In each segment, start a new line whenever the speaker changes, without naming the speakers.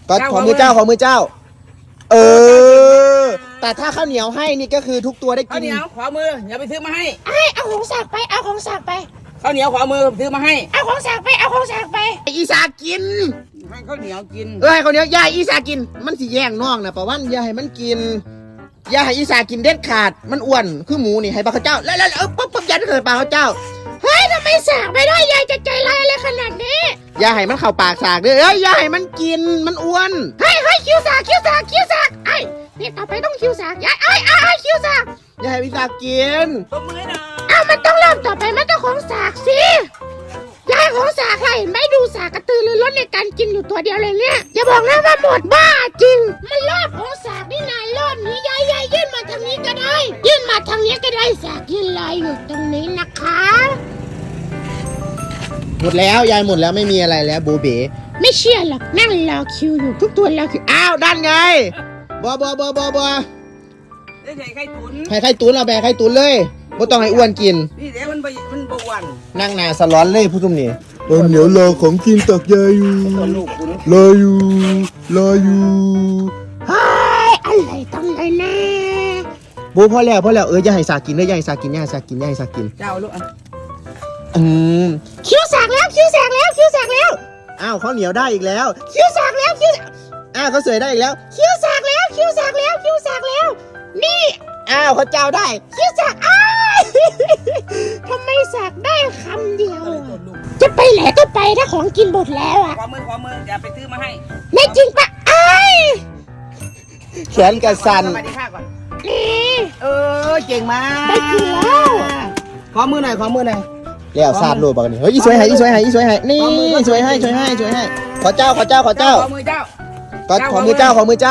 ก็ขอมือเจ้าเออแต่ถ้าข้าวเหนียวให้นี่ก็คือทุกตัวได้กิน
ข้าวเหนียวขอมืออย่าไปซื้อมาให้
เอาของสากไปเอาของสากไป
ข้าวเหนียวขอมือซื้อมาให้
เอาของสากไปเอาของสากไป
อีสากิน
ให้ข้าวเหนียวกิน
ให้ข้าวเหนียวยายอีสากินมันสิแย่งน้องนะประวันอย่าให้มันกินอย่าให้อีสากินเด็ดขาดมันอ้วนคือหมูนี่ให้ปลาข้าวเจ้าแล้วปุ๊บยันเกิดปลาข้าวเจ้า
เฮ้ยทำไมสากไม่ได้ยายจะใจร้ายอะไรขนาดนี้
อย่าให้มันเข้าปากสากเลยอย่าให้มันกินมันอ้วน
เฮ้ยคิวสากไอ้นี่ต่อไปต้องคิวสากยายคิวสาก
อย่าให้อีสากิน
ตบมือหน่อย
มันต้องเริ่มต่อไปมันต้องของสากสิยายของสากให้ไม่ดูสากกระตือรือร้นในการกินอยู่ตัวเดียวเลยเนี่ยอย่าบอกนะว่าหมดบ้าจริงมันรอบของสากนี่นายรอบนี้ยายยื่นมาทางนี้ก็ได้ยื่นมาทางนี้ก็ได้สากยื่นลอยอยู่ตรงนี้นะคะ
หมดแล้วยายหมดแล้วไม่มีอะไรแล้วบูเบ๋
ไม่เชื่อหรอกนั่งรอคิวอยู่ทุกตัวรอคิว
ด้านไงบอ
ได้ใส่ไข่ตุ๋น
ให้ไข่ตุ๋นเอาแบกไข่ตุ๋นเลยบ่ต้องให้อ้วนกิน
นี่เดี๋ยวมันบวัน
นั่งหน้าสล้อนเลยผู้ชมนี่เดี๋ยวรอของกินตักยายอยู่รออยู่
อะไรต้องเลยนะ
บูพอแล้วอย่าให้สากินเลยอย่าให้สากิน
เจ้าลูก
คิวสากแล้ว
อ้าวข้าวเหนียวได้อีกแล้ว
คิวสากแล้ว
เขาเสยได้อีกแล้ว
คิวสากแล้วนี่
เขาเจ้าได้
คิวสากทำไมสากได้คำเดียวจะไปไหนก็ไปถ้าของกินหมดแล้ว
ขอมืออย่าไปซื้อมาให้
ไม่จริงปะ
แขนกระสัน
สวัสดีค่ะก่อน
นี่
เก่งมาก
ได้กินแล้ว
ขอมือหน่อย
แล้วซาดโลบักนี่เฮ้ยอีสวยให้นี่สวยให้ช่วยให้ขอเจ้า
ขอมือเจ้า
ก็ขอมือเจ้า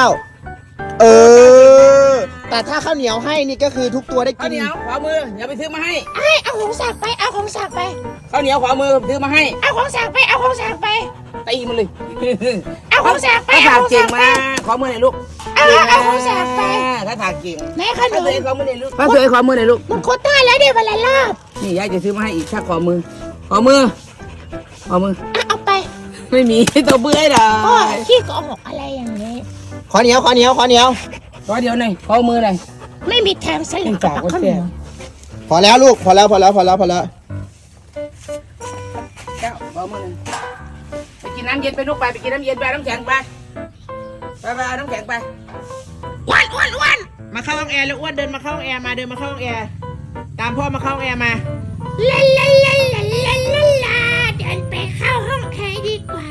แต่ถ้าข้าวเหนียวให้นี่ก็คือทุกตัวได้กิน
ข้าวเหนียวขอมืออย่าไปซื้อมาให้
เอาของสากไปเอาของสากไป
ข้าวเหนียวขอมือซื้อมาให้
เอาของสากไป
ตีมันเลย
เอาของสากไป
ถ้าถากเก่งมาขอมือหน่อยลูก
เอาของสากไป
ถ้าถากเก่ง
แม่ขนม
ขอมือหน่อยลูกป้าเสยขอมือหน่อยลูก
มันโคตรได้แล้วเดี๋ยววันละรอบ
นี่ยายจะซื้อมาให้อีกถ้าขอมือเอา
ไป
ไม่มีตัวเบื่อหรอ
ขี้โกหกอะไรอย่างนี้
ขอเหนียว
ขอเดียวหน่อยขอมือหน่อย
ไม่มีแถมใส่หลังจากข้าวเหนียว
พอแล้วลูกพอแล้ว
เจ้าขอมือหน่อยไปกินน้ำเย็นไปลูกไปกินน้ำเย็นไปน้ำแข็งไปเอาน้ำแข็งไป
อ้วน
มาเข้าห้องแอร์แล้วอ้วนเดินมาเข้าห้องแอร์มาตามพ่อมาเข้าห้องแอร์มา
ลาเดินไปเข้าห้องแอร์ดีกว่า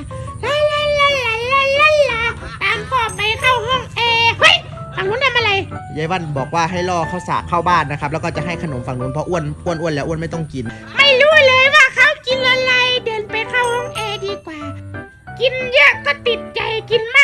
ลาตามพ่อไปเข้าห้องแอร์เฮ้ยฝั่งนู้นทำอะไร
ยายวันบอกว่าให้ล่อข้าวสากเข้าบ้านนะครับแล้วก็จะให้ขนมฝั่งนู้นเพราะอ้วนแล้วอ้วนไม่ต้องกิน
ไม่รู้เลยว่าเขากินอะไรเดินไปเข้าห้องแอร์ดีกว่ากินเยอะก็ติดใจกิน